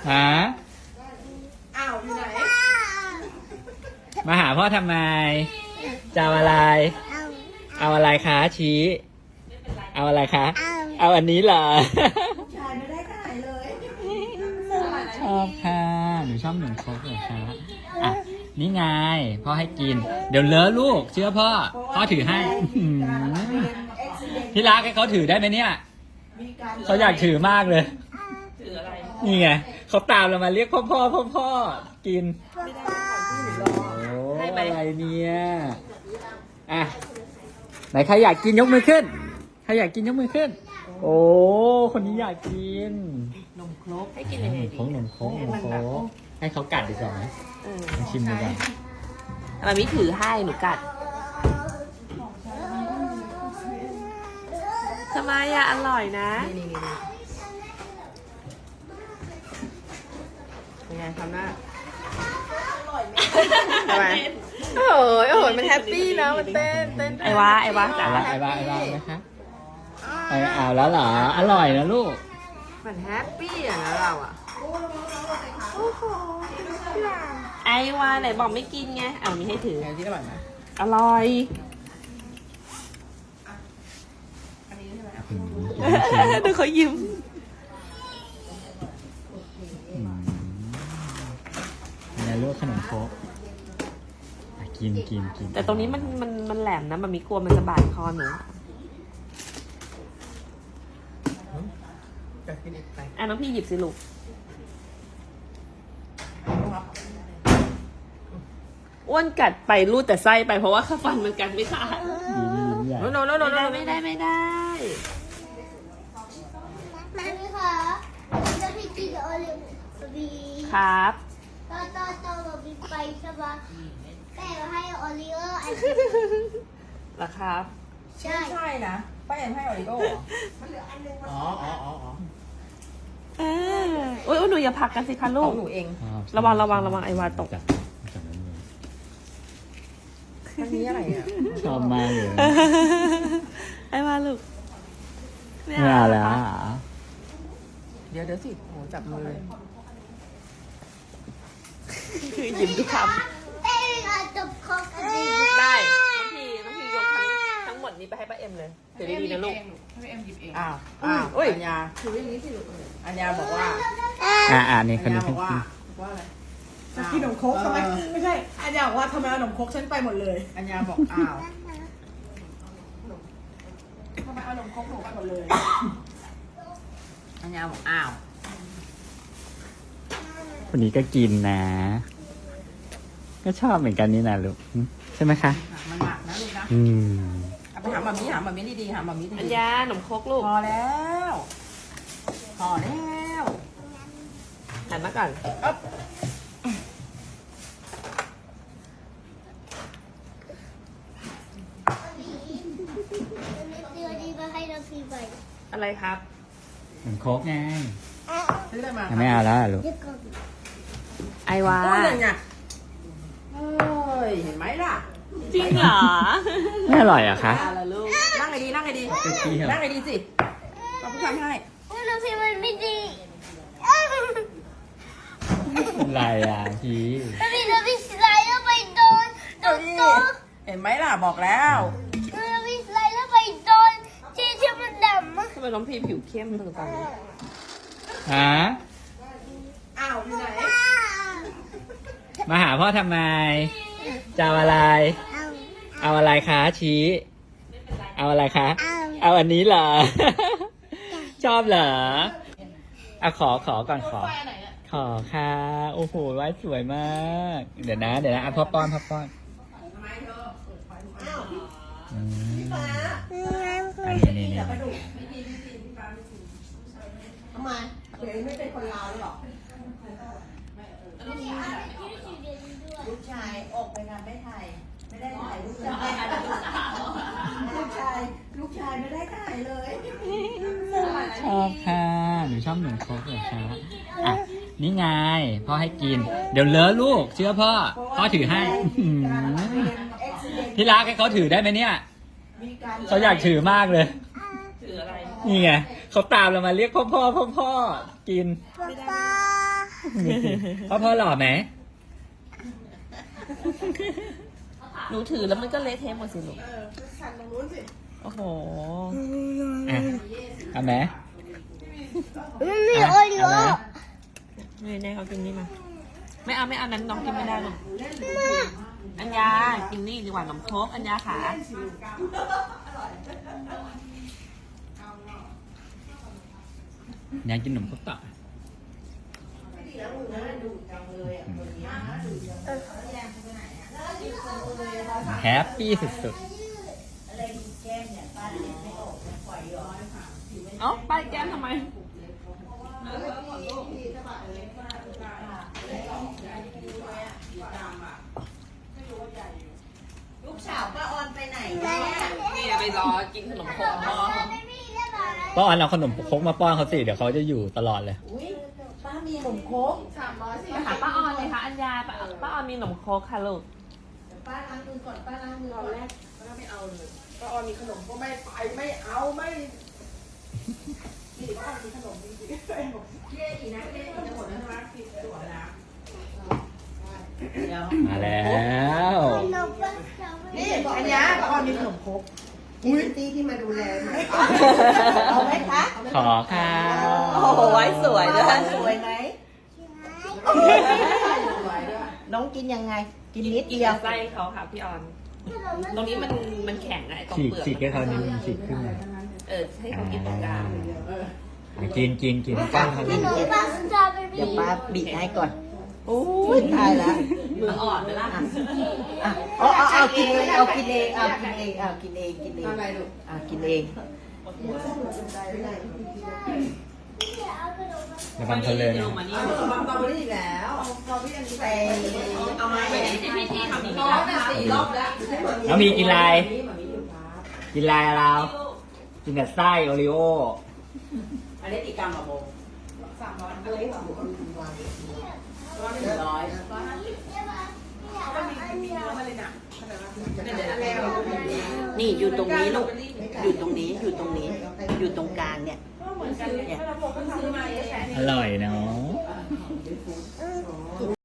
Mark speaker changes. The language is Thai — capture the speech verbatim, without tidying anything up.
Speaker 1: ฮะ
Speaker 2: อ้าวอยู่ไหน
Speaker 1: มาหาพ่อทำไมจะเอาอะไร เอาอะไรคะชี้ เอาอะไรคะ เอาอันนี้เหรอ
Speaker 2: ชายไม่ได้ถ่ายเลย
Speaker 1: ชอบค่ะหนูชอบหนึ่งครกเหรอคะอ่ะนี่ไงพ่อให้กิน เดี๋ยวเลอะลูกเชื่อพ่อพ่อถือให้อื้อหือพี่รักให้เขาถือได้ไหมเนี่ยเขาอยากถือมากเลย
Speaker 2: ถืออะไร
Speaker 1: นี่ไงเขาตามเรามาเรียกพ่อพ่อพ่อพ่อกิน
Speaker 2: ไม่ได้ก่อนที่หนูรอ
Speaker 1: โอ้อะไรเนี่ยอ่ะไหนใครอยากกินยกมือขึ้นใครอยากกินยกมือขึ้น โอ้คนนี้อยากกิน
Speaker 2: นมครก
Speaker 3: ให้กินยังไง
Speaker 1: นม
Speaker 3: ดี
Speaker 1: โค้งนมโค้งนมโค้งให้เขากัดดีกว่าไหม
Speaker 3: เออ
Speaker 1: ลองชิมดูก่อน
Speaker 3: มามิถือให้หนูกัดทำไมอะอร่อยนะ
Speaker 2: นี่นี่นี่ยังไงทำหน้า
Speaker 3: ทำไม
Speaker 2: โอ้ยโอ้ยมันแฮปปี้นะมันเต้นเต้น
Speaker 3: ไอ้วะไอ้วะจ๋า
Speaker 1: เอาละไอ้บ้าไอ้บ้านะคะไอ้เอาแล้วเหรออร่อยนะลูก
Speaker 2: มันแฮปปี้อะนะเราอะ
Speaker 3: ไอ้วะไหนบอกไม่กินไงเอามีให้ถือ
Speaker 2: ไงที่อร่อยไหม
Speaker 3: อร่อย
Speaker 2: อันนี้ใช่ไหม
Speaker 1: อืมกินไม่ชิม
Speaker 3: ดูเขายิ้ม
Speaker 1: อืมยังไงลูกขนมโค้กอ่ะกินกินกิน
Speaker 3: แต่ตรงนี้มันมันมันแหลมนะมันมีกลัวมันจะบาดคอหนู
Speaker 2: จะกินอีกไป
Speaker 3: อ่ะน้องพี่หยิบสิลูกอ้วนกัดไปรูดแต่ไส้ไปเพราะว่าข้าฟันมันกัดไม่ขาด
Speaker 1: ยิ้มยิ้มใหญ่
Speaker 2: โนโนโนโน
Speaker 3: ไม่
Speaker 2: โน
Speaker 3: ได้ไม่ได้ไม่ได้
Speaker 4: มาไหมคะจะพี่กินโอเลี้ยงบี
Speaker 3: ครับ
Speaker 4: ตอนตอนตอนเราบีไปใช่ปะแต่ให้โอเลี้ยงอัน
Speaker 3: เหรอครับ
Speaker 4: ใช่
Speaker 2: ใช่นะป้าแอนให้ออริโก้เหรออ๋ออ๋ออ๋ออ๋อ
Speaker 3: เอออุ้ยอุ๊ยหนูอย่าผลักกันสิคะ
Speaker 2: ข
Speaker 3: ลู
Speaker 2: อก งหนูเอง
Speaker 1: ชอบ
Speaker 3: ระวังระวังระวังไอ้วาตก
Speaker 1: จับจับนั้นเลย
Speaker 2: อันนี้อะไรเนี่ย
Speaker 1: ชอบมากเลย
Speaker 3: ไอ้วาลูก
Speaker 1: ไม่เอาแล้วอ่ะ
Speaker 2: เดี๋ยวเดี๋ยวสิโหจับมือเลย
Speaker 3: คือหยิบทุกค
Speaker 4: เต้นอาจบคอกันดี
Speaker 3: ำได้น้องพีน้องพียกทั้งทั้งหมดนี้ไปให้ป้าเอ็มเลยถือดีๆนะลูก
Speaker 2: อ้าวอ้าว
Speaker 3: อุ้ย
Speaker 2: อัญญาถืออย่างนี้สิลูกอัญญาบอกว่า
Speaker 1: อ่ะอ่ะนี่
Speaker 2: อั
Speaker 1: คน
Speaker 2: ญญา
Speaker 1: นี้
Speaker 2: บ
Speaker 1: ขึ้
Speaker 2: อน กว่าว่าอะไร
Speaker 5: จะกินขนมครกทำไม
Speaker 2: เออ
Speaker 5: ไม่ใช่อันอยากว่าทำไมเอาขนมครกฉันไปหมดเลย
Speaker 2: อัญญาบอกอ้าว
Speaker 5: ทำไมเอาขนมครกหนูไปหมดเลย
Speaker 2: อัญญาบอกอ้าว
Speaker 1: คนนี้ก็กินนะ ก็ชอบเหมือนกันนี่นะลูกหึใช่ไหมคะ
Speaker 2: มันหนักนะลูกนะ
Speaker 1: อืม
Speaker 2: เอาไปถามแบบนี้ถามแบบนี้ดีๆถามแบบนี้
Speaker 3: อัญ
Speaker 2: ดี
Speaker 3: ญาหนมครกลูก
Speaker 2: ๆพอแล้วพอแล้ว
Speaker 3: หันมาก่อน
Speaker 2: อ๊บ
Speaker 4: เดี๋ยวดีมาให้เราฟีไป
Speaker 3: อะไรครับ
Speaker 1: เหมือนโค้กไง
Speaker 2: ซื้ออะไรมา
Speaker 1: ไม่เอาแล้วอ่ะลูก
Speaker 4: เดี๋ยวก่อน
Speaker 3: ไอ้วา
Speaker 2: โอ้ยอย่างเงี้ยเฮ้ยเห็นไหมล่ะ
Speaker 3: จริงเหรอ
Speaker 1: ไม่อร่อยเหรอะคะ
Speaker 3: อะไรลูก
Speaker 2: นั่งไงดีนั่งไงดี
Speaker 1: เปรี้ยว
Speaker 2: นั่งไงดีสิเราผู้ชายให้
Speaker 4: เราฟีมันไม่ดี
Speaker 1: เป็นไรอ่ะพี่
Speaker 4: เราฟีเราฟีสไลด์แล้วไปโดนโดนโต๊ะ
Speaker 2: เห็นไหมล่ะบอกแล้ว
Speaker 4: เราฟีสไลด์แล้วไปโดนที่ที่มันดำอะ
Speaker 3: ทำไมน้องพีผิวเข้มตรงตอนนี้
Speaker 1: ฮะ
Speaker 5: อ้าวอยู่ไหน
Speaker 1: มาหาพ่อทำไมจะเอาอะไร
Speaker 4: เอา
Speaker 1: เอาอะไรคะชี้ เอาอะไรคะ
Speaker 4: เอา
Speaker 1: เอาอันนี้เหรอ ชอบเหรออ่ะขอขอก่อนขอ ขอค่ะ โอ้โหไว้สวยมาก เดี๋ยวนะ เดี๋ยวนะอ่ะพ่อป้อนพ่อป้อนอืมอันนี้นี่นี่
Speaker 5: ทำไมเดี๋ยวไม่เป็นคนลาวหรอก
Speaker 2: ลูกชายออกไปงานไม่ถ่ายไม่ได้ถ่ายลูกชาย
Speaker 5: ลูกชาย ลูกชายไม่ได้ถ่ายเลย
Speaker 1: ชอบค่ะหนูชอบหนึ่งโค้กเหรอคะอ่ะนี่ไงพ่อให้กิน เดี๋ยวเลอะลูก เชื่อพ่อ พ่อถือให้อื้อหือพี่รักให้เขาถือได้ไหมเนี่ยเขาอยากถือมากเลย
Speaker 3: ถืออะไร
Speaker 1: นี่ไงเขาตามเรามาเรียกพ่อพ่อพ่อพ่อกิน
Speaker 4: ป๊าป๊า
Speaker 1: พ่อพ่อหล่อไหม
Speaker 3: หนูถือแล้วมันก็เละเทะหมดสิลูก
Speaker 5: เออสั่นตรงนู้นสิ
Speaker 3: โอ้โห
Speaker 1: อ่ะเอาไหม
Speaker 4: มันมี
Speaker 1: อ่ะ
Speaker 4: โอริโอ
Speaker 1: เอาไหม
Speaker 3: นี่แน่เขากินนี่มา ไม่เอาไม่เอานั้นน้องกินไม่ได้หรอกอัญญา กินนี่ดีกว่าขนมโคกอัญญาขา
Speaker 1: อยากกินขนมครกต่อ แฮปปี้สุด
Speaker 2: อะไรมีแก้มเนี่ยป้าเล็กไม่ออกนะปล่อยย้อน
Speaker 3: เอ้าป้ายแก้มทำไม
Speaker 2: ลูกสาวป้าออนไปไหน
Speaker 4: แม่
Speaker 2: เนี่ย
Speaker 3: นี่ไปรอกินขนมโคกพ่อ
Speaker 4: ไม่มีได้ไหม
Speaker 1: ๆป้าออนเอาขนมครกมาป้อนเขาสิ เดี๋ยวเขาจะอยู่ตลอดเลย
Speaker 2: อุ้ยป้ามีขนมโคก
Speaker 3: ไปหาป้าออนเลยค่ะอัญญาป้าป้าออนมีขนมโคกค่ะลูก
Speaker 2: ป้าล้างมือก่อนป้าล้างมือก่อนแรก
Speaker 5: แล้วไม่เอาเลยก็ออนมีขนมก็ไม่ไปไม่เอาไม่นี่ก็ออนมีขนมจริงๆไม่หมดเย้อีนะเย้อีจะหมดแล้วใช่ไหมผิดตัวนะ
Speaker 2: เดี๋ยว
Speaker 1: มาแล้ว
Speaker 4: นกก็ชอบ
Speaker 5: นี่อันนี้ก็ออนมีขนมครกอุ้ยตี้ที่มาดูแล
Speaker 2: เอาไหมคะ
Speaker 1: ขอค่ะ
Speaker 3: โอ้โหไว้สวยด้วย
Speaker 2: สวยไหม
Speaker 5: สวยด้วย
Speaker 2: น้องกินยังไง กินนิด
Speaker 3: กิน
Speaker 2: เดียว
Speaker 3: ไส้เขาค่ะพี่ออน ตรงนี้มันมันแข็งอะไอ้ตรง
Speaker 1: ฉีก
Speaker 3: เปลือก
Speaker 1: ฉีกให้เขานิดนึงฉีกขึ้นมา
Speaker 3: เออให้เขากินตรงกลาง
Speaker 1: อ่ะกินกินกินป้อนเขา
Speaker 4: ข
Speaker 1: ดิ
Speaker 4: นมปังสตรอเบอรี่
Speaker 2: เดี๋ยวป้าบีบให้ก่อนโอ้ยตายละ
Speaker 3: มืออ่อนไปละ
Speaker 2: อ่ะเอาเอาเอากินเองเอากินเองเอากินเองเอากินเองกินเอง
Speaker 5: อะไรลูก
Speaker 2: อ่ะกินเอง
Speaker 1: ระวังเขาเลย
Speaker 3: ล
Speaker 1: นะ
Speaker 3: งมานี่
Speaker 5: เอาสตรอเบอรี่อีกแล้วเอาสตรอเบอรี่อันนี้ไป
Speaker 3: เอาไม้ไปที่พี่ที่ทำนี้
Speaker 5: ร้อนอ่ะสี่รอบแล้ว
Speaker 1: แล้วมีกินอะไร
Speaker 5: นี่มันมีอยู่ครับ
Speaker 1: กินอะไรอะเรา กินแต่ไส้โอริโอ
Speaker 2: อันนี้ตีกรรมอะโบ
Speaker 5: สามร้อยอะไรหรอร้อยร้อย
Speaker 2: ร้อย
Speaker 5: มันมีมีเนื้อมาเลยนะเดี๋ยวแล้ว
Speaker 2: นี่อยู่ตรงนี้ลูกอยู่ตรงนี้อยู่ตรงนี้ อยู่ตรงกลางเนี่ย
Speaker 5: เหมือนกันเนี่ยเราบอกก็ซื้อมาเยอะแยะ
Speaker 1: อร่อยเนาะ